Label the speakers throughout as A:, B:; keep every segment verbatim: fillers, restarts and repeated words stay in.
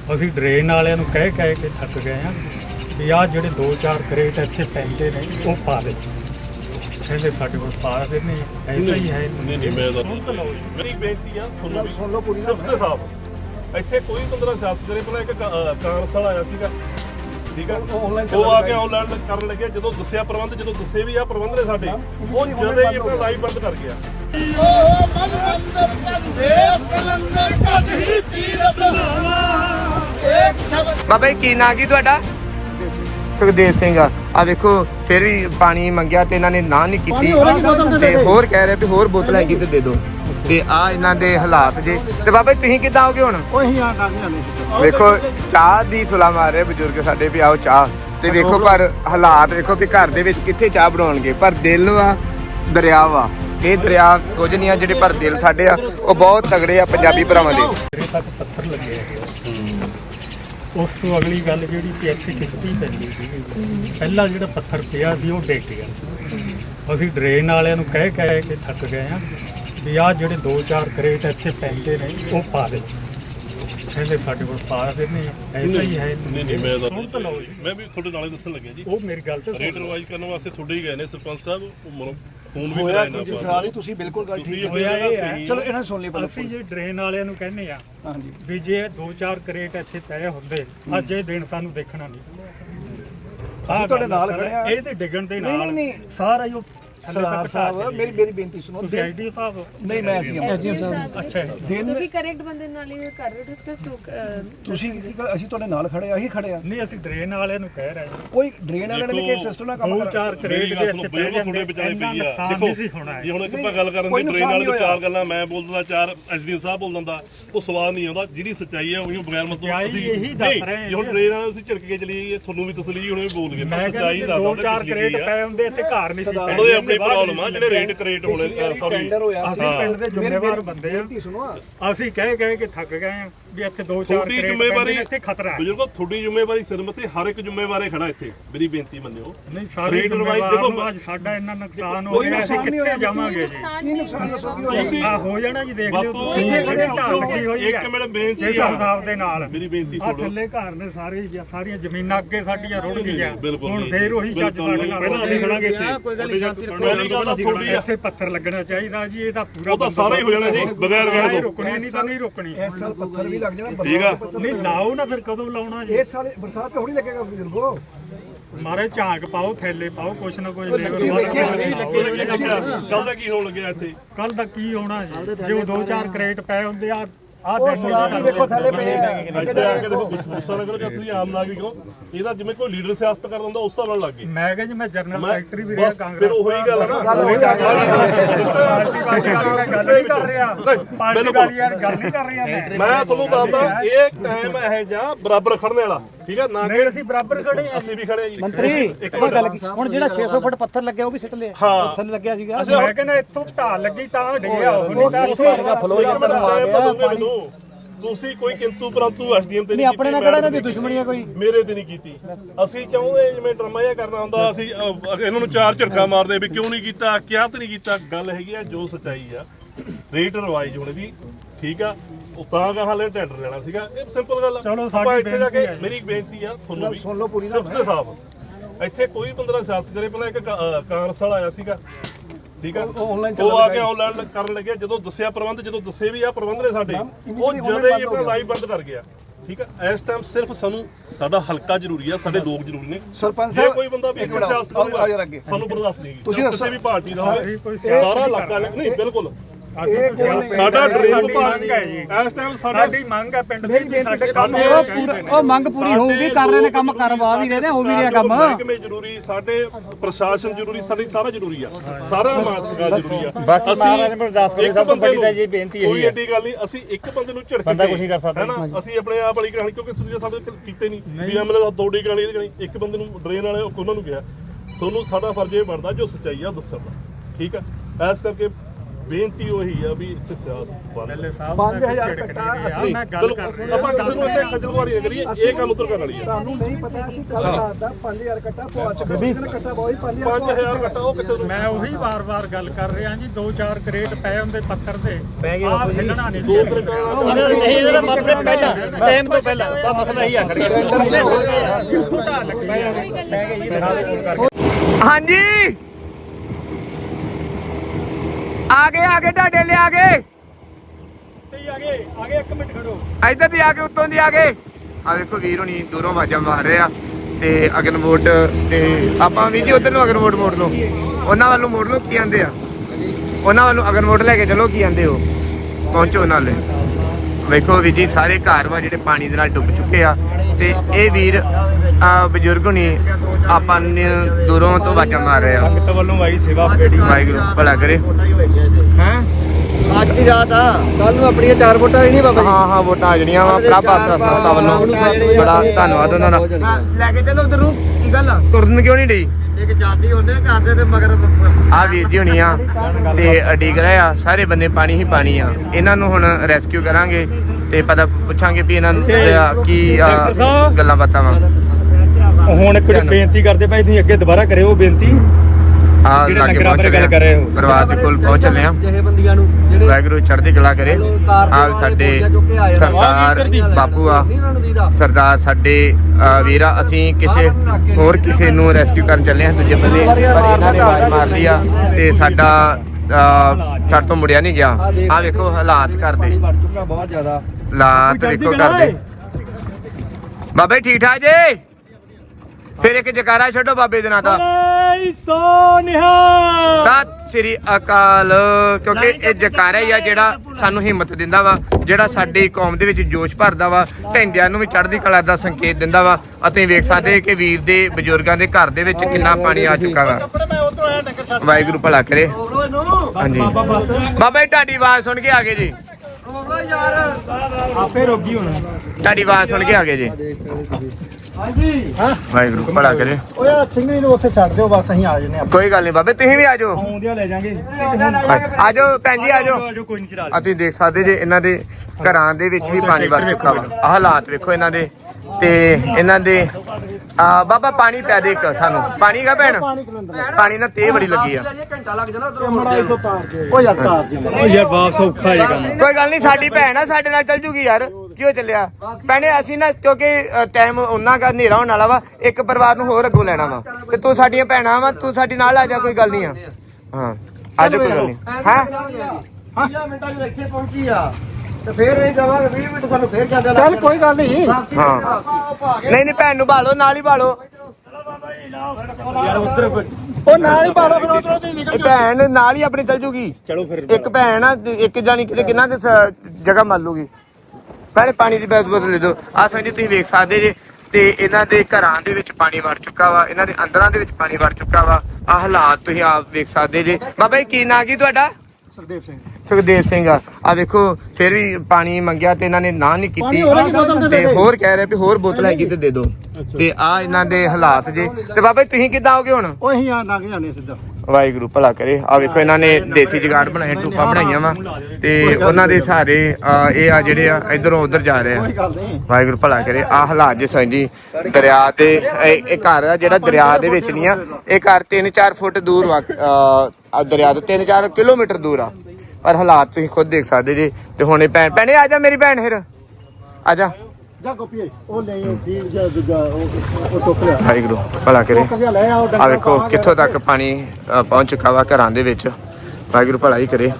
A: ਅਸੀਂ ਡਰੇਨ ਵਾਲਿਆਂ ਨੂੰ ਕਹਿ ਕਹਿ ਕੇ ਥੱਕ ਗਏ ਹਾਂ ਵੀ ਆਹ ਜਿਹੜੇ ਦੋ ਚਾਰ ਕਰੇਟ ਇੱਥੇ ਪੈਂਦੇ ਨੇ ਉਹ ਪਾ ਦੇ। ਕਹਿੰਦੇ ਸਾਡੇ ਕੋਲ ਪਾ ਦੇ ਨਹੀਂ, ਐਸਾ ਹੀ ਹੈ।
B: ਨਹੀਂ ਨਹੀਂ ਮੈਂ ਤਾਂ ਮੇਰੀ ਬੇਨਤੀ ਆ ਤੁਹਾਨੂੰ ਵੀ ਸੁਣ ਲਓ ਪੂਰੀ ਸਭ ਸਾਹਿਬ, ਇੱਥੇ ਕੋਈ ਬੰਦਾ ਸਿਆਸਤ ਕਰੇ। ਪਹਿਲਾਂ ਇੱਕ ਕਾਂਗਰਸ ਵਾਲਾ ਆਇਆ ਸੀਗਾ, ਠੀਕ ਆ, ਉਹ ਆ ਕੇ ਆਨਲਾਈਨ ਕਰਨ ਲੱਗਿਆ। ਜਦੋਂ ਦੱਸਿਆ ਪ੍ਰਬੰਧ, ਜਦੋਂ ਦੱਸੇ ਵੀ ਆ ਪ੍ਰਬੰਧ ਨੇ ਸਾਡੇ, ਉਹ ਜਦੋਂ ਹੀ ਆਪਣਾ ਲਾਈਵ ਬੰਦ ਕਰ ਗਿਆ।
C: ਬਾਬਾ ਜੀ ਕੀ ਨਾਂ ਕੀ ਤੁਹਾਡਾ? ਸੁਖਦੇਵ ਸਿੰਘ। ਆ ਆ ਵੇਖੋ ਫਿਰ ਵੀ ਪਾਣੀ ਮੰਗਿਆ ਤੇ ਇਹਨਾਂ ਨੇ ਨਾ ਨਹੀਂ ਕੀਤੀ ਤੇ ਹੋਰ ਕਹਿ ਰਹੇ ਵੀ ਹੋਰ ਬੋਤਲ ਹੈਗੀ ਤੇ ਦੇ ਦਿਓ। ਤੇ ਆ ਇਹਨਾਂ ਦੇ ਹਾਲਾਤ ਜੇ। ਤੇ ਬਾਬਾ ਜੀ ਤੁਸੀਂ ਕਿੱਦਾਂ ਆਓਗੇ ਹੁਣ? ਵੇਖੋ ਚਾਹ ਦੀ ਸੁਲਾ ਮਾਰ ਰਹੇ ਬਜ਼ੁਰਗ ਸਾਡੇ ਵੀ ਆਓ ਚਾਹ। ਤੇ ਵੇਖੋ ਪਰ ਹਾਲਾਤ ਵੇਖੋ ਵੀ ਘਰ ਦੇ ਵਿੱਚ ਕਿੱਥੇ ਚਾਹ ਬਣਾਉਣਗੇ। ਪਰ ਦਿਲ ਵਾ ਦਰਿਆ ਵਾ, ਇਹ ਦਰਿਆ ਕੁਝ ਨਹੀਂ ਆ ਜਿਹੜੇ, ਪਰ ਦਿਲ ਸਾਡੇ ਆ ਉਹ ਬਹੁਤ ਤਗੜੇ ਆ ਪੰਜਾਬੀ ਭਰਾਵਾਂ ਦੇ।
A: ਮੇਰੇ ਤੱਕ ਪੱਥਰ ਲੱਗੇ ਹੈਗੇ। ਉਸ ਤੋਂ ਅਗਲੀ ਗੱਲ ਜਿਹੜੀ ਕਿ ਇੱਥੇ ਕਿਸ਼ਤੀ ਪੈਂਦੀ ਸੀ, ਪਹਿਲਾਂ ਜਿਹੜਾ ਪੱਥਰ ਪਿਆ ਸੀ ਉਹ ਡਿੱਗ ਗਿਆ। ਅਸੀਂ ਡਰੇਨ ਵਾਲਿਆਂ ਨੂੰ ਕਹਿ ਕਹਿ ਕੇ ਥੱਕ ਗਏ ਹਾਂ ਵੀ ਆਹ ਜਿਹੜੇ ਦੋ ਚਾਰ ਕਰੇਟ ਇੱਥੇ ਪੈਂਦੇ ਨੇ ਉਹ ਪਾ ਦੇ। ਕਹਿੰਦੇ ਸਾਡੇ ਕੋਲ ਪਾ ਦੇ ਨਹੀਂ, ਐਸਾ ਹੀ ਹੈ।
B: ਨਹੀਂ ਨਹੀਂ ਮੈਂ ਤਾਂ ਸੁਣ ਤਾਂ ਲਓ ਜੀ, ਮੈਂ ਵੀ ਤੁਹਾਡੇ ਨਾਲੇ ਦੱਸਣ ਲੱਗਿਆ ਜੀ।
A: ਉਹ ਮੇਰੀ ਗੱਲ ਤੇ
B: ਰੇਟ ਰਿਵਾਈਜ਼ ਕਰਨ ਵਾਸਤੇ ਤੁਹਾਡੇ ਹੀ ਗਏ ਨੇ ਸਰਪੰਚ ਸਾਹਿਬ। ਉਹ ਫੋਨ ਵੀ
D: ਹੋਇਆ ਤੁਸੀਂ ਸਾਰੀ ਤੁਸੀਂ ਬਿਲਕੁਲ ਗੱਲ ਠੀਕ
A: ਹੋਇਆ ਇਹ ਹੈ।
D: ਚਲੋ ਇਹਨਾਂ ਸੁਣ ਲਈ ਪਹਿਲਾਂ।
A: ਅਸੀਂ ਜੇ ਡਰੇਨ ਵਾਲਿਆਂ ਨੂੰ ਕਹਿੰਦੇ ਆ
D: ਹਾਂਜੀ
A: ਵੀ ਜੇ ਦੋ ਚਾਰ ਕਰੇਟ ਇੱਥੇ ਪਏ ਹੁੰਦੇ ਅੱਜ ਇਹ ਦਿਨ ਸਾਨੂੰ ਦੇਖਣਾ ਨਹੀਂ।
D: ਅਸੀਂ ਤੁਹਾਡੇ ਨਾਲ ਖੜੇ ਆ।
A: ਇਹਦੇ ਡਿੱਗਣ ਦੇ
D: ਨਹੀਂ
A: ਨਾਲ
D: ਨਹੀਂ
A: ਸਾਰਾ ਹੀ ਉਹ
D: ਸਰਦਾਰ ਸਾਹਿਬ ਮੇਰੀ ਮੇਰੀ ਬੇਨਤੀ ਸੁਣੋ।
A: ਤੁਸੀਂ ਆਈਡੀ ਸਾਹਿਬ?
D: ਨਹੀਂ ਮੈਂ ਐਸਡੀਐਮ ਸਾਹਿਬ।
A: ਅੱਛਾ
D: ਦਿਨ
E: ਤੁਸੀਂ ਕਰੈਕਟ ਬੰਦੇ ਨਾਲ ਹੀ ਕਰ ਰਹੇ ਹੋ ਡਿਸਕਸ।
D: ਤੁਸੀਂ ਕੀ ਕਰ, ਅਸੀਂ ਤੁਹਾਡੇ ਨਾਲ ਖੜੇ ਆ, ਅਸੀਂ ਖੜੇ ਆ।
A: ਨਹੀਂ ਅਸੀਂ ਡਰੇਨ ਵਾਲਿਆਂ ਨੂੰ ਕਹਿ ਰਹੇ ਹਾਂ
D: ਕੋਈ ਡਰੇਨ ਵਾਲਿਆਂ ਨੇ ਕਿ ਸਿਸਟਮ ਨਾਲ ਕੰਮ
A: ਦੋ
D: ਕਰਨਾ।
A: ਚਾਰ ਕਰੇਟ ਦੇ ਇੱਥੇ ਪੈ ਜਾਂਦੇ
B: ਤੁਹਾਡੇ ਵਿਚਾਲੇ ਪਈ ਆ।
A: ਦੇਖੋ ਜੀ ਹੁਣ
B: ਜੇ ਹੁਣ ਇੱਕ ਆਪਾਂ ਗੱਲ ਕਰਨ ਦੀ ਟ੍ਰੇਨ ਵਾਲੇ ਤੋਂ ਚਾਰ ਗੱਲਾਂ ਮੈਂ ਬੋਲ ਦਿੰਦਾ, ਚਾਰ ਐਸਡੀਐਮ ਸਾਹਿਬ ਬੋਲ ਦਿੰਦਾ, ਉਹ ਸਵਾਦ ਨਹੀਂ ਆਉਂਦਾ। ਜਿਹੜੀ ਸੱਚਾਈ ਹੈ ਉਹੀ ਬਗੈਰ ਮਤਲਬ ਅਸੀਂ
A: ਇਹੀ ਦੱਸ ਰਹੇ ਹਾਂ।
B: ਜੇ ਹੁਣ ਟ੍ਰੇਨ ਵਾਲੇ ਤੁਸੀਂ ਝਿੜਕ ਕੇ ਚਲੀ ਜਾਈਏ, ਤੁਹਾਨੂੰ ਵੀ ਤਸਲੀ ਹੁਣ ਵੀ ਬੋਲ ਗਏ।
A: ਮੈਂ
B: ਸੱਚਾਈ
A: ਕਹਿੰਦਾ ਦੋ ਚਾਰ ਕਰੇਟ ਪਏ ਹੁੰਦੇ ਇੱਥੇ ਘਰ ਨਹੀਂ ਸੀ।
B: ਉਹਨਾਂ ਦੇ ਆਪਣੀ ਪ੍ਰੋਬਲਮ ਆ ਜਿਹੜੇ ਰੇਟ ਕਰੇਟ ਹੋਣੇ। ਸੌਰੀ
A: ਅਸੀਂ ਪਿੰਡ ਦੇ ਜ਼ਿੰਮੇਵਾਰ ਬੰਦੇ ਆ।
D: ਸੁਣੋ
A: ਅਸੀਂ ਕਹਿ ਕਹਿ ਕੇ ਥੱਕ ਗਏ ਆ ਵੀ ਇੱਥੇ ਦੋ ਚਾਰ
B: ਤੁਹਾਡੀ
A: ਕਰੇਟ
B: ਜ਼ਿੰਮੇਵਾਰੀ
A: ਇੱਥੇ ਖਤਰਾ ਹੈ।
B: ਬਜ਼ੁਰਗੋ ਤੁਹਾਡੀ ਜ਼ਿੰਮੇਵਾਰੀ ਸਿਰ ਮੱਥੇ ਹਰ ਇੱਕ ਜ਼ਿੰਮੇਵਾਰੇ ਖੜਾ ਇੱਥੇ। ਮੇਰੀ ਬੇਨਤੀ ਮੰਨਿਓ।
A: ਨਹੀਂ ਸਾਰੀ ਜ਼ਿੰਮੇਵਾਰੀ ਦੇਖੋ ਅੱਜ ਸਾਡਾ ਇੰਨਾ ਨੁਕਸਾਨ ਹੋ ਗਿਆ, ਅਸੀਂ ਕਿੱਥੇ ਜਾਵਾਂਗੇ ਜੀ?
D: ਕੀ ਨੁਕਸਾਨ ਦੱਸੋ ਕੀ ਹੋਇਆ?
B: ਤੁਸੀਂ
A: ਆ ਹੋ ਜਾਣਾ ਜੀ, ਦੇਖ ਲਿਓ
B: ਬਾਪੂ
A: ਤੁਸੀਂ।
B: ਇੱਕ ਮਿੰਟ ਬੇਨਤੀ
A: ਇਸ
B: ਆ
A: ਹਿਸਾਬ ਦੇ ਨਾਲ
B: ਮੇਰੀ ਬੇਨਤੀ
A: ਆ
B: ਸੁਣੋ।
A: ਥੱਲੇ ਘਰ ਨੇ ਸਾਰੇ ਜਾਂ ਸਾਰੀਆਂ ਜ਼ਮੀਨਾਂ ਅੱਗੇ ਸਾਡੀਆਂ ਰੁੜ ਗਈਆਂ।
B: ਬਿਲਕੁਲ
A: ਹੁਣ ਫੇਰ ਉਹੀ ਚੱਜ ਸਾਡੇ ਨਾਲ
B: ਪਹਿਲਾਂ ਅਸੀਂ ਖੜਾਂਗੇ ਇੱਥੇ।
A: ਕੋਈ ਗੱਲ ਸ਼ਾਂਤੀ
B: ਰੱਖੋ।
A: ਇੱਥੇ ਪੱਥਰ ਲੱਗਣਾ ਚਾਹੀਦਾ ਜੀ। ਇਹਦਾ ਪੂਰਾ
B: ਉਹ ਤਾਂ ਸਾਰਾ ਹੀ ਹੋ ਜਾਣਾ ਜੀ ਬਗੈਰ ਕਹਿ ਤੋਂ।
A: ਰੁਕਣੀ ਨਹੀਂ ਤਾਂ ਨਹੀਂ ਰੁਕਣੀ।
D: ਇਸ ਸਾਲ ਪੱਥਰ ਵੀ ਲੱਗ ਜਾਣਾ।
B: ਸੀਗਾ
A: ਨਹੀਂ ਲਾਓ ਨਾ, ਫਿਰ ਕਦੋਂ ਲਾਉਣਾ ਜੀ?
D: ਇਸ ਸਾਲ ਬਰਸਾਤ ਤੇ ਹੋਣੀ ਲੱਗੇਗਾ ਬਜ਼ੁਰਗੋ।
A: ਮਾਰੇ ਝਾਂਕ ਪਾਓ, ਥੈਲੇ ਪਾਓ, ਕੁਛ ਨਾ ਕੁਛ
B: ਕੱਲ ਦਾ ਕੀ ਹੋਣ ਲੱਗਿਆ ਇੱਥੇ?
A: ਕੱਲ ਦਾ ਕੀ ਹੋਣਾ ਜੀ? ਜੇ ਦੋ ਚਾਰ ਕਰੇਟ ਪਏ ਹੁੰਦੇ ਆ ਆ
D: ਦੇਖੋ ਥੱਲੇ ਪਏ ਆ।
B: ਇੱਥੇ ਆ ਕੇ ਦੇਖੋ ਗੁੱਸਾ ਨਾ ਕਰੋ ਕਿ ਤੁਸੀਂ ਆਮ ਨਾਗਰਿਕ ਹੋ। ਇਹਦਾ ਜਿਵੇਂ ਕੋਈ ਲੀਡਰ ਸਿਆਸਤ ਕਰਦਾ ਹੁੰਦਾ ਉਸ ਹਿਸਾਬ ਨਾਲ ਲੱਗ ਗਏ।
A: ਮੈਂ ਕਿਹਾ ਜੀ ਮੈਂ ਜਨਰਲ ਸੈਕਟਰੀ ਵੀ ਰਿਹਾ ਕਾਂਗਰਸ।
B: ਫਿਰ ਉਹੀ ਗੱਲ ਹੈ ਨਾ।
A: ਪਾਰਟੀ ਗੱਲ ਨਹੀਂ ਕਰ ਰਿਹਾ। ਪਾਰਟੀ ਵਾਲੀ ਯਾਰ ਗੱਲ ਨਹੀਂ ਕਰ ਰਿਹਾ।
B: ਮੈਂ ਤੁਹਾਨੂੰ ਦੱਸਦਾ ਇਹ ਟਾਈਮ ਇਹ ਜਾਂ ਬਰਾਬਰ ਖੜਨੇ ਵਾਲਾ, ਠੀਕ ਹੈ ਨਾ?
A: ਨਹੀਂ ਅਸੀਂ ਬਰਾਬਰ ਖੜੇ ਆ।
B: ਅਸੀਂ ਵੀ ਖੜੇ ਆ ਜੀ।
F: ਮੰਤਰੀ ਇੱਕ ਗੱਲ ਹੁਣ ਜਿਹੜਾ ਛੇ ਸੌ ਫੁੱਟ ਪੱਥਰ ਲੱਗਿਆ ਉਹ ਵੀ ਸਿੱਟ ਲਿਆ।
B: ਹਾਂ
F: ਥੱਲੇ ਲੱਗਿਆ ਸੀਗਾ।
A: ਮੈਂ ਕਹਿੰਦਾ ਇੱਥੋਂ ਢਾਲ ਲੱਗੀ ਤਾਂ ਡਿੱਗਿਆ। ਉਹ ਨਹੀਂ ਤਾਂ
B: ਤੁਸੀਂ ਕੋਈ ਕਿੰਤੂ ਪਰੰਤੂ ਐਸਡੀਐਮ ਤੇ
F: ਨਹੀਂ ਆਪਣੇ ਨਾਲ ਕਿਹੜਾ ਇਹਨਾਂ ਦੀ ਦੁਸ਼ਮਣੀ ਆ ਕੋਈ?
B: ਮੇਰੇ ਤੇ ਨਹੀਂ ਕੀਤੀ। ਅਸੀਂ ਚਾਹੁੰਦੇ ਜਿਵੇਂ ਡਰਾਮਾ ਜਿਹਾ ਕਰਨਾ ਹੁੰਦਾ, ਅਸੀਂ ਅਹ, ਇਹਨਾਂ ਨੂੰ ਚਾਰ ਝਟਕਾ ਮਾਰਦੇ ਵੀ ਕਿਉਂ ਨਹੀਂ ਕੀਤਾ, ਕਿਹਾ ਤੇ ਨਹੀਂ ਕੀਤਾ। ਗੱਲ ਹੈਗੀ ਆ ਜੋ ਸੱਚਾਈ ਆ। ਰੇਟ ਰਿਵਾਈਜ਼ ਹੋਣੇ ਦੀ, ਠੀਕ ਆ। ਉਹ ਤਾਂ ਕਹਾਂ ਹਾਲੇ ਟੈਂਡਰ ਲੈਣਾ ਸੀਗਾ। ਇਹ ਸਿੰਪਲ ਗੱਲ ਆ।
A: ਚਲੋ
B: ਆਪਾਂ ਇੱਥੇ ਜਾ ਕੇ ਮੇਰੀ ਬੇਨਤੀ ਆ ਤੁਹਾਨੂੰ ਵੀ
D: ਸੁਣ ਲਓ ਪੂਰੀ ਨਾ।
B: ਸਿਫਤ ਸਾਹਿਬ, ਇੱਥੇ ਕੋਈ ਬੰਦਾ ਸਿਆਸਤ ਕਰੇ। ਪਹਿਲਾਂ ਇੱਕ ਕਾਂਗਰਸ ਵਾਲਾ ਆਇਆ ਸੀਗਾ, ਠੀਕ ਆ, ਉਹ ਆ ਕੇ ਆਨਲਾਈਨ ਕਰਨ ਲੱਗਿਆ। ਜਦੋਂ ਦੱਸਿਆ ਪ੍ਰਬੰਧ, ਜਦੋਂ ਦੱਸੇ ਵੀ ਆ ਪ੍ਰਬੰਧ ਨੇ ਸਾਡੇ, ਉਹ ਜਦੋਂ ਹੀ ਆਪਣਾ ਲਾਈਵ ਬੰਦ ਕਰ ਗਿਆ। ਠੀਕ ਆ। ਇਸ ਟਾਈਮ ਸਿਰਫ ਸਾਨੂੰ ਸਾਡਾ ਹਲਕਾ ਜ਼ਰੂਰੀ ਆ, ਸਾਡੇ ਲੋਕ ਜ਼ਰੂਰੀ ਨੇ।
D: ਸਰਪੰਚ
B: ਜੇ
D: ਸਾਹਿਬ
B: ਕੋਈ ਬੰਦਾ ਵੀ ਇੱਥੇ ਸਿਆਸਤ ਕਰੂਗਾ ਸਾਨੂੰ ਬਰਦਾਸ਼ਤ ਨਹੀਂ।
D: ਤੁਸੀਂ
B: ਕਿਸੇ ਵੀ ਪਾਰਟੀ ਦਾ ਹੋਵੇ,
A: ਕੋਈ
B: ਸਾਰਾ ਇਲਾਕਾ ਨਹੀਂ। ਬਿਲਕੁਲ
A: ਸਾਡਾ
B: ਸਾਡਾ ਡ੍ਰੀਮ
A: ਮੰਗ ਹੈ ਜੀ।
B: ਇਸ ਟਾਈਮ
A: ਸਾਡੀ ਮੰਗ ਹੈ ਪਿੰਡ ਦੀ, ਸਾਡੇ ਕੰਮ
F: ਉਹ ਪੂਰਾ ਉਹ ਮੰਗ ਪੂਰੀ ਹੋਊਗੀ। ਕਰ ਰਹੇ ਨੇ ਕੰਮ, ਕਰਵਾ ਵੀ ਰਹੇ ਨੇ, ਹੋ ਵੀ ਰਿਹਾ ਕੰਮ।
B: ਮਹਿਕਮੇ ਜ਼ਰੂਰੀ, ਸਾਡੇ ਪ੍ਰਸ਼ਾਸਨ ਜ਼ਰੂਰੀ, ਸਾਡੀ ਸਾਰਾ ਜ਼ਰੂਰੀ ਆ। ਸਾਰਾ ਮਾਸਕਾ ਜ਼ਰੂਰੀ ਆ। ਅਸੀਂ ਇੱਕ ਬੰਦੇ ਨੂੰ ਜੀ ਬੇਨਤੀ ਇਹੀ ਹੈ, ਕੋਈ ਏਡੀ ਗੱਲ ਨਹੀਂ। ਅਸੀਂ ਇੱਕ ਬੰਦੇ ਨੂੰ ਝੜਕ ਬੰਦਾ ਕੁਝ ਨਹੀਂ ਕਰ ਸਕਦਾ ਹੈ ਨਾ। ਅਸੀਂ ਆਪਣੇ ਆਪ ਵਾਲੀ ਕਹਾਣੀ, ਕਿਉਂਕਿ ਤੁਸੀਂ ਸਾਡੇ ਕੀਤੇ ਨਹੀਂ ਵੀ ਐਮਐਲਏ ਦਾ ਦੋੜੀ ਕਹਾਣੀ ਇਹਦੀ ਕਹਾਣੀ। ਇੱਕ ਬੰਦੇ ਨੂੰ ਡਰੇਨ ਵਾਲੇ ਉਹਨਾਂ ਨੂੰ ਕਿਹਾ। ਤੁਹਾਨੂੰ ਸਾਡਾ ਫਰਜ਼ ਇਹ ਬਣਦਾ ਜੋ ਸੱਚਾਈ ਆ ਦੱਸਣ ਦਾ, ਠੀਕ ਆ। ਇਸ ਕਰਕੇ ਬੇਨਤੀ ਉਹੀ ਆ ਵੀ ਇੱਥੇ ਸਿਆਸਤ ਬੰਦ
A: ਐਮਐਲਏ ਸਾਹਿਬ
D: ਪੰਜ
A: ਨਾਲ
D: ਹਜ਼ਾਰ
A: ਝਿੜਕ
D: ਕੱਟਾ
A: ਨਹੀਂ ਰਹੀ ਆ,
D: ਅਸੀਂ
A: ਮੈਂ ਗੱਲ
B: ਚਲੋ
A: ਕਰ ਰਿਹਾ
B: ਆਪਾਂ ਕਿਸੇ ਨੂੰ ਇੱਥੇ ਖਜਲਵਾਰੀ ਨਾ ਕਰੀਏ ਇਹ ਕੰਮ ਉਧਰ ਕਰਨ ਵਾਲੀ ਆ
D: ਤੁਹਾਨੂੰ ਨਹੀਂ ਪਤਾ ਸੀ ਕੱਲ ਰਾਤ ਦਾ ਪੰਜ ਹਜ਼ਾਰ ਕੱਟਾ ਪਵਾ ਚੁੱਕਾ ਕਿਹਨੇ ਕੱਟਾ ਬਹੁਤ ਪੰਜ ਹਜ਼ਾਰ
B: ਪੰਜ ਹਜ਼ਾਰ ਕੱਟਾ ਉਹ ਕਿੱਥੇ ਨੂੰ
A: ਮੈਂ ਉਹੀ ਵਾਰ-ਵਾਰ ਗੱਲ ਕਰ ਰਿਹਾ ਜੀ ਦੋ ਚਾਰ ਕਰੇਟ ਪਏ ਹੁੰਦੇ ਪੱਥਰ ਦੇ ਪੈ ਗਏ ਆਪ ਹਿੱਲਣਾ ਨਹੀਂ
B: ਦੋ ਕਰੇਟਾਂ
F: ਨਹੀਂ ਇਹਦਾ ਮਤਲਬ ਪਹਿਲਾਂ ਟਾਈਮ ਤੋਂ ਪਹਿਲਾਂ ਤਾਂ ਮਸਲਾ ਹੀ ਆ ਖੜ ਗਿਆ
A: ਕਿੱਥੋਂ ਢਾਹ ਲੱਗੀ ਆ
E: ਕੋਈ ਗੱਲ ਨਹੀਂ ਸਰਕਾਰੀ ਦੇ
C: ਹਾਂਜੀ ਆ ਗਏ ਆ ਗਏ ਤੁਹਾਡੇ ਲਈ ਆ ਗਏ
A: ਤੇ ਆ ਗਏ ਆ ਗਏ ਇੱਕ ਮਿੰਟ ਖੜੋ
C: ਇੱਧਰ ਦੀ ਆ ਕੇ ਉੱਤੋਂ ਦੀ ਆ ਗਏ ਆ ਵੇਖੋ ਵੀਰ ਹੁਣੀ ਦੂਰੋਂ ਆਵਾਜ਼ਾਂ ਮਾਰ ਰਹੇ ਆ ਤੇ ਅਗਨਵੋਟ ਤੇ ਆਪਾਂ ਵੀ ਜੀ ਉਧਰ ਨੂੰ ਅਗਨਵੋਟ ਮੋੜ ਲਓ ਉਹਨਾਂ ਵੱਲੋਂ ਮੋੜ ਲਓ ਕੀ ਆਂਦੇ ਆ ਉਹਨਾਂ ਵੱਲੋਂ ਅਗਨਵੋਟ ਲੈ ਕੇ ਚਲੋ ਕੀ ਆਂਦੇ ਹੋ ਪਹੁੰਚੋ ਨਾਲੇ ਵੇਖੋ ਵੀ ਜੀ ਸਾਰੇ ਘਰ ਵਾ ਜਿਹੜੇ ਪਾਣੀ ਦੇ ਨਾਲ ਡੁੱਬ ਚੁੱਕੇ ਆ ਤੇ ਇਹ ਵੀਰ ਆ ਬਜ਼ੁਰਗ ਹੁਣੀ ਆਪਾਂ ਨੂੰ ਦੂਰੋਂ ਤੋਂ ਆਵਾਜ਼ਾਂ ਮਾਰ ਰਹੇ ਆ
A: ਸੰਗਤ ਵੱਲੋਂ ਆਈ ਸੇਵਾ ਬੇੜੀ
C: ਵਾਹਿਗੁਰੂ ਭਲਾ ਕਰੇ ਹੈਂ
D: ਅੱਜ ਦੀ ਰਾਤ ਆ ਕੱਲ ਨੂੰ ਆਪਣੀਆਂ ਚਾਰ ਵੋਟਾਂ ਨਹੀਂ ਬਾਬਾ
C: ਹਾਂ ਹਾਂ ਵੋਟਾਂ ਆ ਜਿਹੜੀਆਂ ਵਾ ਪ੍ਰਭ ਆਸਰਾ ਸੰਸਥਾ ਵੱਲੋਂ ਬੜਾ ਧੰਨਵਾਦ ਉਹਨਾਂ ਦਾ ਲੈ ਕੇ ਚਲੋ ਉਧਰ ਨੂੰ ਕੀ ਗੱਲ ਆ ਤੁਰਨ ਕਿਉਂ ਨਹੀਂ ਡਈ
D: ਇੱਕ ਜਾਤੀ ਹੁੰਦੇ ਕਰਦੇ ਤੇ ਮਗਰ
C: ਆ ਵੀਰ ਜੀ ਹੋਣੀ ਆ ਤੇ ਅਡੀਗ ਰਹੇ ਆ ਸਾਰੇ ਬੰਦੇ ਪਾਣੀ ਹੀ ਪਾਣੀ ਆ ਇਹਨਾਂ ਨੂੰ ਹੁਣ ਰੈਸਕਿਊ ਕਰਾਂਗੇ ਤੇ ਪਤਾ ਪੁੱਛਾਂਗੇ ਵੀ ਇਹਨਾਂ ਨੂੰ ਅਹ, ਕੀ ਅਹ, ਗੱਲਾਂ ਬਾਤਾਂ ਵਾ
A: ਹੁਣ ਕੁਝ ਬੇਨਤੀ ਕਰਦੇ ਭਾਈ ਤੁਸੀਂ ਅੱਗੇ ਦੁਬਾਰਾ ਕਰਿਓ ਬੇਨਤੀ
C: ਆ
A: ਜਿਹੜੇ
C: ਲਾਗੇ
A: ਲੰਗਰਾਂ
C: ਪਹੁੰਚ
A: ਬਾਰੇ ਗੱਲ
C: ਚੱਲੇ
A: ਕਰ ਰਹੇ
C: ਆ
A: ਹੋ।
C: ਪਰਿਵਾਰ ਦੇ ਕੋਲ ਪਹੁੰਚ ਚੱਲੇ ਆ
D: ਜਿਹੇ ਬੰਦੀਆਂ ਨੂੰ ਜਿਹੜੇ
C: ਵਾਹਿਗੁਰੂ ਚੜ੍ਹਦੀ ਕਲਾ ਕਰੇ ਆ ਸਾਡੇ ਸਰਦਾਰ ਬਾਪੂ ਆ ਸਰਦਾਰ ਸਾਡੇ ਅਹ, ਵੀਰ ਆ ਅਸੀਂ ਕਿਸੇ ਹੋਰ ਕਿਸੇ ਨੂੰ ਰੈਸਕਿਊ ਕਰਨ ਚੱਲੇ ਆ ਦੂਜੇ ਬੰਦੇ ਪਰ ਇਹਨਾਂ ਨੇ ਆਵਾਜ਼ ਮਾਰ ਲਈ ਆ ਤੇ ਸਾਡਾ ਅਹ, ਛੱਡ ਤੋਂ ਮੁੜਿਆ ਨਹੀਂ ਗਿਆ ਆ ਵੇਖੋ ਹਾਲਾਤ ਕਰਦੇ
D: ਵੜ ਚੁੱਕਾ ਬਹੁਤ ਜ਼ਿਆਦਾ
C: ਹਾਲਾਤ ਵੇਖੋ ਕਰਦੇ ਬਾਬਾ ਜੀ ਠੀਕ ਠਾਕ ਜੇ ਫਿਰ ਇੱਕ ਜਕਾਰਾ ਛੱਡੋ ਬਾਬੇ ਦੇ ਨਾਂ ਦਾ ਸਤਿ ਸ੍ਰੀ ਅਕਾਲ ਕਿਉਂਕਿ ਇਹ ਜਕਾਰਾ ਹੀ ਆ ਜਿਹੜਾ ਸਾਨੂੰ ਹਿੰਮਤ ਦਿੰਦਾ ਵਾ ਜਿਹੜਾ ਸਾਡੀ ਕੌਮ ਦੇ ਵਿੱਚ ਜੋਸ਼ ਭਰਦਾ ਵਾ ਢੈਂਡਿਆਂ ਨੂੰ ਵੀ ਚੜ੍ਹਦੀ ਕਲਾ ਦਾ ਸੰਕੇਤ ਦਿੰਦਾ ਵਾ ਅਤੇ ਵੇਖ ਸਕਦੇ ਕਿ ਵੀਰ ਦੇ ਬਜ਼ੁਰਗਾਂ ਦੇ ਘਰ ਦੇ ਵਿੱਚ ਕਿੰਨਾ ਪਾਣੀ ਆ ਚੁੱਕਾ ਵਾ ਵਾਹਿਗੁਰੂ ਭਲਾ ਕਰੇ ਹਾਂਜੀ ਬਾਬਾ ਜੀ ਤੁਹਾਡੀ ਆਵਾਜ਼ ਸੁਣ ਕੇ ਆ ਗਏ ਜੀ
A: ਆਪੇ ਰੋਗੀ ਹੁਣ
C: ਤੁਹਾਡੀ ਆਵਾਜ਼ ਸੁਣ ਕੇ ਆ ਗਏ ਜੀ
D: ਹਾਂਜੀ
C: ਵਾਹਿਗੁਰੂ ਭਲਾ ਕਰੇ
D: ਓਏ ਸਿੰਘੀ ਨੂੰ ਉੱਥੇ ਛੱਡ ਦਿਓ ਬਸ ਅਸੀਂ ਆ ਜਨੇ
C: ਕੋਈ ਗੱਲ ਨਹੀਂ ਬਾਬੇ ਤੁਸੀਂ ਵੀ ਆ ਜਾਓ
A: ਆਉਂਦਿਆਂ ਲੈ ਜਾਾਂਗੇ
C: ਆ ਜਾਓ ਭੈਣ ਜੀ ਆ ਜਾਓ
A: ਆਜੋ ਕੋਈ ਨਹੀਂ ਚਲਾ
C: ਆ ਤੁਸੀਂ ਦੇਖ ਸਕਦੇ ਜੇ ਇਹਨਾਂ ਦੇ ਘਰਾਂ ਦੇ ਵਿੱਚ ਵੀ ਪਾਣੀ ਵੜ ਚੁੱਕਾ ਵਾ ਆਹ ਹਾਲਾਤ ਵੇਖੋ ਇਹਨਾਂ ਦੇ ਤੇ ਇਹਨਾਂ ਦੇ ਆ ਬਾਬਾ ਪਾਣੀ ਪਿਆ ਦੇ ਇੱਕ ਸਾਨੂੰ ਪਾਣੀ ਕਾ ਭੈਣ ਪਾਣੀ ਨਾਲ ਤੇ ਬੜੀ ਲੱਗੀ ਆ
D: ਘੰਟਾ ਲੱਗ ਜਾਣਾ ਉਧਰੋਂ ਤਾਰ ਕੇ ਓ ਯਾਰ ਤਾਰ ਦੇ
A: ਓ ਯਾਰ ਵਾਪਸ ਔਖਾ ਜੇ ਕੰਮ
C: ਕੋਈ ਗੱਲ ਨਹੀਂ ਸਾਡੀ ਭੈਣ ਆ ਸਾਡੇ ਨਾਲ ਚੱਲ ਜੂਗੀ ਯਾਰ ਕਿਉਂ ਚੱਲਿਆ ਭੈਣੇ ਅਸੀਂ ਨਾ ਕਿਉਂਕਿ ਟਾਈਮ ਉਹਨਾਂ ਦਾ ਹਨੇਰਾ ਹੋਣ ਵਾਲਾ ਵਾ ਇੱਕ ਪਰਿਵਾਰ ਨੂੰ ਹੋਰ ਅੱਗੋਂ ਲੈਣਾ ਵਾ ਤੇ ਤੂੰ ਸਾਡੀਆਂ ਭੈਣਾਂ ਵਾ ਤੂੰ ਸਾਡੇ ਨਾਲ ਆ ਜਾ ਕੋਈ ਗੱਲ ਨਹੀਂ ਆ ਹਾਂ ਆ ਜਾ ਕੋਈ ਗੱਲ ਨਹੀਂ ਹਾਂ
D: ਵੀਹ ਮਿੰਟਾਂ ਚ ਇੱਥੇ ਪਹੁੰਚੀ ਆ ਤੇ ਫੇਰ ਇਹ ਜਾਵਾਂਗੇ ਵੀਹ ਮਿੰਟ ਸਾਨੂੰ ਫੇਰ ਜਾਂਦੇ ਚੱਲ ਕੋਈ ਗੱਲ ਨਹੀਂ
C: ਹਾਂ ਨਹੀਂ ਨਹੀਂ ਭੈਣ ਨੂੰ ਭਾਲੋ ਨਾਲ ਹੀ ਭਾਲੋ
A: ਯਾਰ ਉਧਰ
D: ਉਹ ਨਾਲ ਹੀ ਪਾੜੋ ਫਿਰ ਉਧਰੋਂ ਦੀ ਨਿਕਲ
C: ਇਹ ਭੈਣ ਨਾਲ ਹੀ ਆਪਣੀ ਚੱਲ ਜੂਗੀ
A: ਚਲੋ ਫਿਰ
C: ਇੱਕ ਭੈਣ ਆ ਤੇ ਇੱਕ ਜਾਨੀ ਕਿਤੇ ਕਿੰਨਾ ਕੁ ਸ- ਜਗ੍ਹਾ ਮੰਨ ਲੂਗੀ ਪਹਿਲੇ ਪਾਣੀ ਦੀ ਬੈਸ ਬੋਤਲ ਲੈ ਦਿਓ ਆ ਸੰਜੀ ਤੁਸੀਂ ਵੇਖ ਸਕਦੇ ਜੇ ਤੇ ਇਹਨਾਂ ਦੇ ਘਰਾਂ ਦੇ ਵਿੱਚ ਪਾਣੀ ਵੜ ਚੁੱਕਾ ਵਾ ਇਹਨਾਂ ਦੇ ਅੰਦਰਾਂ ਦੇ ਵਿੱਚ ਪਾਣੀ ਵੜ ਚੁੱਕਾ ਵਾ ਆ ਹਾਲਾਤ ਤੁਸੀਂ ਆਪ ਵੇਖ ਸਕਦੇ ਜੇ ਬਾਬਾ ਜੀ ਕੀ ਨਾਂ ਕੀ ਤੁਹਾਡਾ
D: ਸੁਖਦੇਵ ਸਿੰਘ
C: ਸੁਖਦੇਵ ਸਿੰਘ ਆ ਆ ਵੇਖੋ ਫਿਰ ਵੀ ਪਾਣੀ ਮੰਗਿਆ ਤੇ ਇਹਨਾਂ ਨੇ ਨਾ ਨਹੀਂ ਕੀਤੀ
D: ਹੋਰ ਵੀ ਬੋਤਲ ਦੇ
C: ਤੇ
D: ਦੇ।
C: ਹੋਰ ਕਹਿ ਰਹੇ ਵੀ ਹੋਰ ਬੋਤਲ ਹੈਗੀ ਤੇ ਦੇ ਦਿਓ ਤੇ ਆ ਇਹਨਾਂ ਦੇ ਹਾਲਾਤ ਜੇ ਤੇ ਬਾਬਾ ਜੀ ਤੁਸੀਂ ਕਿੱਦਾਂ ਆਓਗੇ ਹੁਣ
D: ਓਏ ਅਸੀਂ ਆ ਲੰਘ ਜਾਣੇ ਸਿੱਧਾ
C: ਵਾਹਿਗੁਰੂ ਭਲਾ ਕਰੇ ਆ ਵੇਖੋ ਇਹਨਾਂ ਨੇ ਦੇਸੀ ਜਗਾੜ ਬਣਾਏ ਟੂਪਾਂ ਬਣਾਈਆਂ ਵਾ ਤੇ ਉਹਨਾਂ ਦੇ ਸਹਾਰੇ ਆ, ਇਹ ਆ ਜਿਹੜੇ ਆ ਇਧਰੋਂ ਉਧਰ ਜਾ ਰਹੇ
D: ਕੋਈ
C: ਆ
D: ਗੱਲ ਨਹੀਂ
C: ਵਾਹਿਗੁਰੂ ਭਲਾ ਕਰੇ ਆ ਹਾਲਾਤ ਜੇ ਸਾਂਝੀ ਦਰਿਆ ਤੇ ਇਹ ਇਹ ਘਰ ਆ ਜਿਹੜਾ ਦਰਿਆ ਦੇ ਵਿੱਚ ਨਹੀਂ ਆ ਇਹ ਘਰ ਤਿੰਨ ਚਾਰ ਫੁੱਟ ਦੂਰ ਵਾ ਆ ਦਰਿਆ ਤੋਂ ਤਿੰਨ ਚਾਰ ਕਿਲੋਮੀਟਰ ਦੂਰ ਆ ਪਰ ਹਾਲਾਤ ਤੁਸੀਂ ਖੁਦ ਦੇਖ ਸਕਦੇ ਜੀ ਤੇ ਹੁਣ ਇਹ ਭੈਣ ਭੈਣੇ ਆ ਜਾ ਮੇਰੀ ਭੈਣ ਫਿਰ ਆ ਜਾ
D: ਜਾ ਗੋਪੀ ਉਹ ਲੈ ਉਹ ਵੀਰ ਜਾ ਦੂਜਾ ਉਹ ਉਹ ਟੋਕ ਲਿਆ
C: ਵਾਹਿਗੁਰੂ ਭਲਾ ਕਰੇ
D: ਟੋਕ ਜਿਹਾ ਲੈ ਆਓ
C: ਆ ਵੇਖੋ ਕਿੱਥੋਂ ਤੱਕ ਪਾਣੀ ਅ, ਪਹੁੰਚ ਚੁੱਕਾ ਵਾ ਘਰਾਂ ਦੇ ਵਿੱਚ ਵਾਹਿਗੁਰੂ ਭਲਾ ਹੀ ਕਰੇ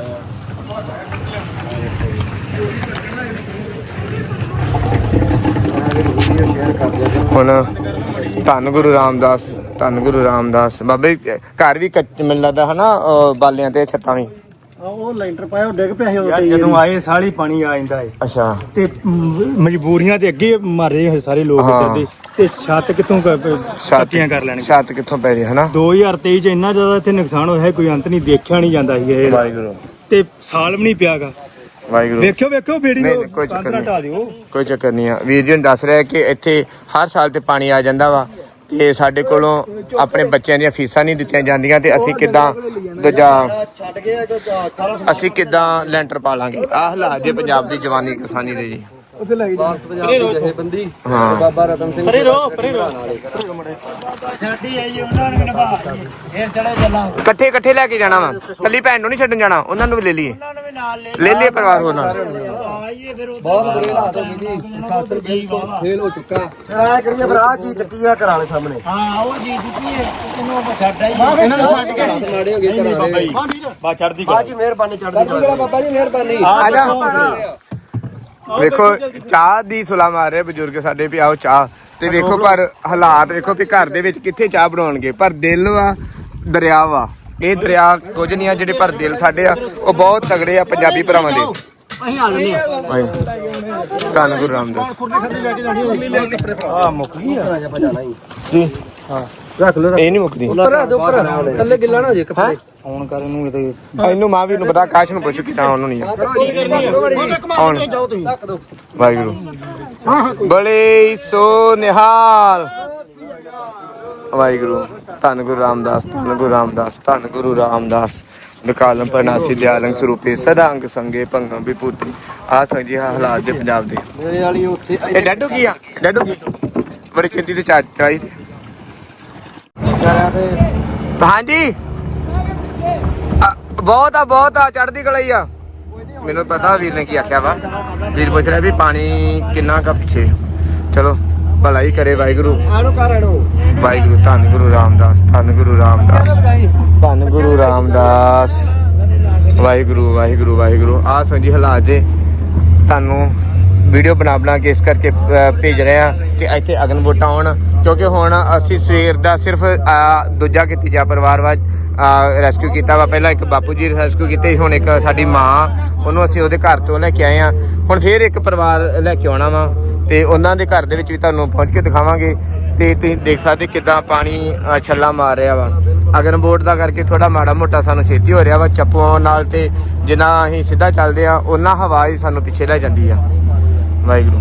C: ਹੁਣ ਧੰਨ ਗੁਰੂ ਰਾਮਦਾਸ ਧੰਨ ਗੁਰੂ ਰਾਮਦਾਸ ਬਾਬੇ ਘਰ ਵੀ ਕੱਚ ਮੈਨੂੰ ਲੱਗਦਾ ਹਨਾ ਅ, ਬਾਲਿਆਂ ਤੇ ਛੱਤਾਂ ਵੀ
D: ਉਹ ਲੈਂਟਰ ਪਾਇਆ ਉਹ ਡਿੱਗ ਪਿਆ ਸੀ ਉਦੋਂ
A: ਯਾਰ ਜਦੋਂ ਆਏ ਸਾਲੀ ਪਾਣੀ ਆ ਜਾਂਦਾ ਏ
C: ਅੱਛਾ
A: ਤੇ ਮ- ਮਜਬੂਰੀਆਂ ਤੇ ਅੱਗੇ ਮਾਰੇ ਹੋਏ ਸਾਰੇ ਲੋਕ
C: ਹਾਂ।
A: ਇੱਧਰ ਦੇ ਤੇ ਛੱਤ ਕਿੱਥੋਂ ਛੱਤੀਆਂ ਕਰ ਲੈਣਗੇ
C: ਛੱਤ ਕਿੱਥੋਂ ਪੈ ਰਹੀ ਹੈ ਹਨਾ
A: ਦੋ ਹਜ਼ਾਰ ਤੇਈ ਚ ਇੰਨਾ ਜ਼ਿਆਦਾ ਇੱਥੇ ਨੁਕਸਾਨ ਹੋਇਆ ਹੈ, ਕੋਈ ਅੰਤ ਨਹੀਂ ਦੇਖਿਆ ਨਹੀਂ ਜਾਂਦਾ ਸੀ ਇਹ
C: ਵਾਹਿਗੁਰੂ
A: ਤੇ ਸਾਲ ਵੀ ਨਹੀਂ ਪਿਆਗਾ
C: ਵਾਹਿਗੁਰੂ
A: ਵੇਖਿਓ ਵੇਖਿਓ ਬੇੜੀ
C: ਨਹੀਂ,
A: ਨੂੰ
C: ਨਹੀਂ, ਕੋਈ ਚੱਕਰ
A: ਕੰਧ ਨਾ
C: ਨਹੀਂ।
A: ਢਾਹ ਦਿਓ
C: ਕੋਈ ਚੱਕਰ ਨਹੀਂ ਆ ਵੀਰ ਜੀ ਨੂੰ ਦੱਸ ਰਿਹਾ ਕਿ ਇੱਥੇ ਹਰ ਸਾਲ ਤੇ ਪਾਣੀ ਆ ਜਾਂਦਾ ਵਾ ਤੇ ਸਾਡੇ ਕੋਲੋਂ ਆਪਣੇ ਬੱਚਿਆਂ ਦੀਆਂ ਫੀਸਾਂ ਨਹੀਂ ਦਿੱਤੀਆਂ ਜਾਂਦੀਆਂ ਤੇ ਅਸੀਂ ਕਿੱਦਾਂ ਦੂਜਾ
D: ਛੱਡ ਕੇ ਜੋ ਸਾਰਾ
C: ਅਸੀਂ ਕਿੱਦਾਂ ਲੈਂਟਰ ਪਾ ਲਾਂਗੇ। ਆਹ ਹਾਲਾਤ ਜੇ ਪੰਜਾਬ ਦੀ ਜਵਾਨੀ ਕਿਸਾਨੀ ਦੇ ਜੀ।
D: ਉੱਥੇ ਲੈ ਗਈ ਬਾਸ ਪੰਜਾਬ ਦੀ ਜਥੇਬੰਦੀ
C: ਹਾਂ
D: ਬਾਬਾ ਰਤਨ ਸਿੰਘ
F: ਪਰੇ ਰੋ ਪਰੇ ਰੋ ਛੱਡੀ ਆਈ ਉਹਨਾਂ ਨੂੰ ਨਿਭਾ ਫੇਰ ਚੜੇ ਚੱਲਾਂ
C: ਇਕੱਠੇ ਇਕੱਠੇ ਲੈ ਕੇ ਜਾਣਾ ਵਾ, ਕੱਲੀ ਭੈਣ ਨੂੰ ਨਹੀਂ ਛੱਡਣ ਜਾਣਾ, ਉਹਨਾਂ ਨੂੰ ਵੀ ਲੈ ਲਈਏ
F: ਉਹਨਾਂ ਨੂੰ ਵੀ ਨਾਲ ਲੈ
C: ਲੈ ਲਈਏ ਪਰਿਵਾਰ ਹੋਰ ਨਾਲ।
F: ਆਈਏ ਫਿਰ
D: ਬਹੁਤ ਬੁਰੇ ਹਾਲਾਤ ਹੋ ਗਏ ਜੀ ਸਾਸਰ ਫੇਲ ਹੋ ਚੁੱਕਾ ਐ ਕਰੀਏ ਭਰਾ ਚੀਜ਼ ਚੱਕੀ ਆ ਘਰਾਂ ਦੇ ਸਾਹਮਣੇ
F: ਹਾਂ ਉਹ ਜੀ ਚੁੱਕੀ ਹੈ ਕਿਨੂੰ ਛੱਡ ਆਈ ਇਹਨਾਂ ਨੂੰ ਛੱਡ ਕੇ
D: ਮਾੜੇ ਹੋ ਗਏ ਘਰਾਂ ਦੇ
A: ਬਾ ਚੜਦੀ
D: ਬਾਜੀ ਮਿਹਰਬਾਨੀ ਚੜ੍ਹਦੀ ਕਲਾ ਬਾਬਾ ਜੀ ਮਿਹਰਬਾਨੀ
C: ਆ ਜਾ ਵੇਖੋ ਚਾਹ ਦੀ ਸੁਲਾ ਮਾਰ ਰਹੇ ਬਜ਼ੁਰਗ ਸਾਡੇ ਵੀ ਆਓ ਚਾਹ ਤੇ ਵੇਖੋ ਪਰ ਹਾਲਾਤ ਵੇਖੋ ਵੀ ਘਰ ਦੇ ਵਿੱਚ ਕਿੱਥੇ ਚਾਹ ਬਣਾਉਣਗੇ, ਪਰ ਦਿਲ ਵਾ ਦਰਿਆ ਵਾ। ਇਹ ਦਰਿਆ ਕੁਝ ਨਹੀਂ ਆ, ਜਿਹੜੇ ਪਰ ਦਿਲ ਸਾਡੇ ਆ ਉਹ ਬਹੁਤ ਤਗੜੇ ਆ ਪੰਜਾਬੀ ਭਰਾਵਾਂ ਦੇ।
D: ਅਸੀਂ ਆ ਲੈਨੇ ਆ
C: ਧੰਨ ਗੁਰੂ ਰਾਮਦਾਸ
D: ਆ ਮੁੱਕ ਗਈ ਆ ਜਾ ਬਜਾਣਾ ਹੀ
C: ਜੀ।
D: ਹਾਂ ਰੱਖ ਲੋ
C: ਇਹ ਨਹੀਂ ਮੁੱਕਦੀ
D: ਉੱਪਰ ਦੇ ਉੱਪਰ ਥੱਲੇ ਗਿੱਲਾ ਨਾ ਹੋ ਜੇ ਕੱਪੜੇ ਆਉਣ ਕਰ ਇਹਨੂੰ ਇਹਦੇ
C: ਇਹਨੂੰ ਮਾਂ ਵੀ ਨੂੰ ਪਤਾ, ਕਾਸ਼ ਨੂੰ ਪੁੱਛ ਕਿਤਾ ਉਹਨੂੰ ਨਹੀਂ ਆਉਣ
D: ਜਾਓ ਤੁਸੀਂ ਰੱਖ ਦੋ
C: ਵਾਹਿਗੁਰੂ ਬੜੇ ਸੋ ਨਿਹਾਲ ਵਾਹਿਗੁਰੂ। ਧੰਨ ਗੁਰੂ ਰਾਮਦਾਸ ਧੰਨ ਗੁਰੂ ਰਾਮਦਾਸ ਧੰਨ ਗੁਰੂ ਰਾਮਦਾਸ ਨਿਕਾਲਮ ਪਰਨਾਸੀ ਦਿਆਲੰਗ ਸਰੂਪੇ ਸਦਾ ਅੰਗ ਸੰਗੇ ਭੰਗਮ ਵਿਭੂਤੀ। ਆਹ ਸੰਜੀ ਹਾਲਾਤ ਦੇ ਪੰਜਾਬ ਦੇ।
D: ਮੇਰੇ ਵਾਲੀ ਉੱਥੇ
C: ਇਹ ਡੈਡੂ ਕੀ ਆ ਡੈਡੂ ਕੀ ਬੜੀ ਚਿੰਤੀ ਤੇ ਚਾਹ ਚੜਾਈ ਤੇ ਹਾਂਜੀ ਆ, ਬਹੁਤ ਆ ਬਹੁਤ ਆ ਚੜ੍ਹਦੀ ਕਲਾ ਹੀ ਆ। ਮੈਨੂੰ ਪਤਾ ਵੀਰ ਨੇ ਕੀ ਆਖਿਆ ਵਾ। ਵੀਰ ਪੁੱਛ ਰਿਹਾ ਵੀ ਪਾਣੀ ਕਿੰਨਾ ਕਾ ਪਿੱਛੇ। ਚਲੋ ਭਲਾ ਹੀ ਕਰੇ ਵਾਹਿਗੁਰੂ
D: ਆਣੋ ਕਰ ਆਣੋ
C: ਵਾਹਿਗੁਰੂ। ਧੰਨ ਗੁਰੂ ਰਾਮਦਾਸ ਧੰਨ ਗੁਰੂ ਰਾਮਦਾਸ ਧੰਨ ਗੁਰੂ ਰਾਮਦਾਸ ਵਾਹਿਗੁਰੂ ਵਾਹਿਗੁਰੂ ਵਾਹਿਗੁਰੂ। ਆਹ ਸੰਜੀ ਹਾਲਾਤ ਜੇ ਤੁਹਾਨੂੰ ਵੀਡੀਓ ਬਣਾ ਬਣਾ ਕੇ ਇਸ ਕਰਕੇ ਅ, ਭੇਜ ਰਹੇ ਆ ਕਿ ਇੱਥੇ ਅਗਨ ਵੋਟਾਂ ਆਉਣ, ਕਿਉਂਕਿ ਹੁਣ ਅਸੀਂ ਸਵੇਰ ਦਾ ਸਿਰਫ ਅ, ਦੂਜਾ ਤੀਜਾ ਪਰਿਵਾਰ ਵਾ ਰੈਸਕਿਊ ਕੀਤਾ ਵਾ। ਪਹਿਲਾਂ ਇੱਕ ਬਾਪੂ ਜੀ ਰੈਸਕਿਊ ਕੀਤੇ, ਹੁਣ ਇੱਕ ਸਾਡੀ ਮਾਂ, ਉਹਨੂੰ ਅਸੀਂ ਉਹਦੇ ਘਰ ਤੋਂ ਲੈ ਕੇ ਆਏ ਆ। ਹੁਣ ਫੇਰ ਇੱਕ ਪਰਿਵਾਰ ਲੈ ਕੇ ਆਉਣਾ ਵਾ ਤੇ ਉਹਨਾਂ ਦੇ ਘਰ ਦੇ ਵਿੱਚ ਵੀ ਤੁਹਾਨੂੰ ਪਹੁੰਚ ਕੇ ਦਿਖਾਵਾਂਗੇ। ਤੇ ਤੁਸੀਂ ਦੇਖ ਸਕਦੇ ਕਿੱਦਾਂ ਪਾਣੀ ਅ, ਛੱਲਾ ਮਾਰ ਰਿਹਾ ਵਾ। ਅਗਨ ਵੋਟ ਦਾ ਕਰਕੇ ਥੋੜਾ ਮਾੜਾ ਮੋਟਾ ਸਾਨੂੰ ਛੇਤੀ ਹੋ ਰਿਹਾ ਵਾ ਚੱਪੂਆਂ ਨਾਲ, ਤੇ ਜਿੰਨਾ ਅਸੀਂ ਸਿੱਧਾ ਚੱਲਦੇ ਆ ਉਹਨਾਂ ਹਵਾ ਹੀ ਸਾਨੂੰ ਪਿੱਛੇ ਲੈ ਜਾਂਦੀ ਆ। ਵਾਹਿਗੁਰੂ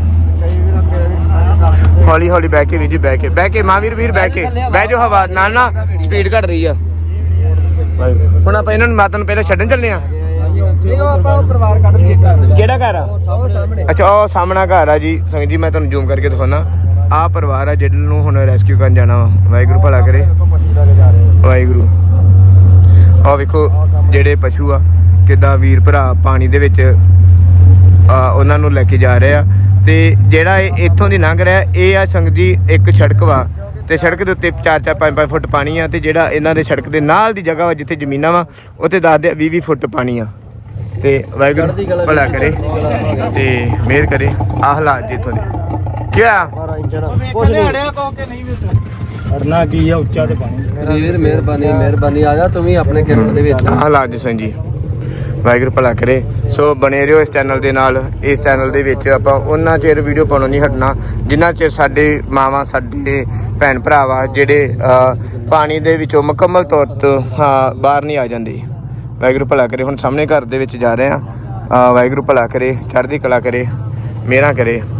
C: ਹੌਲੀ ਹੌਲੀ ਬਹਿ ਕੇ ਵੀਰ ਜੀ ਬਹਿ ਕੇ ਬਹਿ ਕੇ ਮਾਂ ਵੀਰ ਵੀਰ ਬਹਿ ਕੇ ਬਹਿ ਜੋ, ਹਵਾ ਨਾਲ ਨਾ ਸਪੀਡ ਘਟ ਰਹੀ ਆ। ਹੁਣ ਆਪਾਂ ਇਹਨਾਂ ਨੂੰ ਮਾਤਾ ਨੂੰ ਪਹਿਲਾਂ ਛੱਡਣ ਚੱਲੇ ਆ।
D: ਇਹ ਆਪਾਂ ਪਰਿਵਾਰ ਕੱਢ ਲਈਏ ਘਰ ਦੇ
C: ਕਿਹੜਾ ਘਰ ਆ?
D: ਉਹ ਸਾਹਮਣੇ
C: ਅੱਛਾ ਉਹ ਸਾਹਮਣਾ ਘਰ ਆ ਜੀ ਸੰਗਤ ਜੀ। ਮੈਂ ਤੁਹਾਨੂੰ ਜ਼ੂਮ ਕਰਕੇ ਦਿਖਾਉਣਾ। ਆਹ ਪਰਿਵਾਰ ਆ ਜਿਹਨੂੰ ਹੁਣ ਰੈਸਕਿਊ ਕਰਨ ਜਾਣਾ ਵਾ। ਵਾਹਿਗੁਰੂ ਭਲਾ ਕਰੇ ਵਾਹਿਗੁਰੂ। ਆਹ ਵੇਖੋ ਜਿਹੜੇ ਪਸ਼ੂ ਆ ਕਿੱਦਾਂ ਵੀਰ ਭਰਾ ਪਾਣੀ ਦੇ ਵਿੱਚ ਆ ਉਹਨਾਂ ਨੂੰ ਲੈ ਕੇ ਜਾ ਰਹੇ ਆ। ਤੇ ਜਿਹੜਾ ਇਹ ਇੱਥੋਂ ਦੀ ਲੰਘ ਰਿਹਾ ਇਹ ਆ ਸੰਗਤ ਜੀ ਇੱਕ ਸੜਕ ਵਾ, ਤੇ ਸੜਕ ਦੇ ਉੱਤੇ ਚਾਰ ਚਾਰ ਪੰਜ ਪੰਜ ਫੁੱਟ ਪਾਣੀ ਆ। ਤੇ ਜਿਹੜਾ ਇਹਨਾਂ ਦੇ ਸੜਕ ਦੇ ਨਾਲ ਦੀ ਜਗ੍ਹਾ ਵਾ ਜਿੱਥੇ ਜ਼ਮੀਨਾਂ ਵਾ ਉੱਥੇ ਦੱਸਦੇ ਵੀਹ ਵੀਹ ਫੁੱਟ ਪਾਣੀ ਆ। ਤੇ ਵਾਹਿਗੁਰੂ ਭਲਾ ਕਰੇ ਤੇ ਮਿਹਰ ਕਰੇ। ਆਹ ਹਾਲਾਤ ਜੀ ਇੱਥੋਂ ਦੇ ਕੀ ਆ
D: ਮਾਰਾ ਇੰਜਣ
F: ਕੁਝ ਹੜਿਆ ਕੋ ਕੇ ਨਹੀਂ ਵਿੱਚ ਅੜਨਾ ਕੀ ਆ ਉੱਚਾ ਤੇ ਪਾਣੀ।
D: ਵੀਰ ਮਿਹਰਬਾਨੀ ਮਿਹਰਬਾਨੀ ਆ ਜਾ ਤੂੰ ਵੀ ਆਪਣੇ ਕਿਰਨ ਦੇ ਵਿੱਚ।
C: ਆਹ ਹਾਲਾਤ ਜੀ ਸੰਜੀ ਵਾਹਿਗੁਰੂ ਭਲਾ ਕਰੇ। ਸੋ ਬਣੇ ਰਹੋ ਇਸ ਚੈਨਲ ਦੇ ਨਾਲ। ਇਸ ਚੈਨਲ ਦੇ ਵਿੱਚ ਆਪਾਂ ਉਹਨਾਂ ਚਿਰ ਵੀਡੀਓ ਪਾਉਣੋਂ ਨਹੀਂ ਹਟਣਾ ਜਿੰਨਾ ਚਿਰ ਸਾਡੇ ਮਾਵਾਂ ਸਾਡੇ ਭੈਣ ਭਰਾ ਵਾ ਜਿਹੜੇ ਪਾਣੀ ਦੇ ਵਿੱਚੋਂ ਮੁਕੰਮਲ ਤੌਰ ਤੇ ਬਾਹਰ ਨਹੀਂ ਆ ਜਾਂਦੇ। ਵਾਹਿਗੁਰੂ ਭਲਾ ਕਰੇ। ਹੁਣ ਸਾਹਮਣੇ ਘਰ ਦੇ ਵਿੱਚ ਜਾ ਰਹੇ ਆ। ਵਾਹਿਗੁਰੂ ਭਲਾ ਕਰੇ ਚੜ੍ਹਦੀ ਕਲਾ ਕਰੇ ਮਿਹਰਾਂ ਕਰੇ।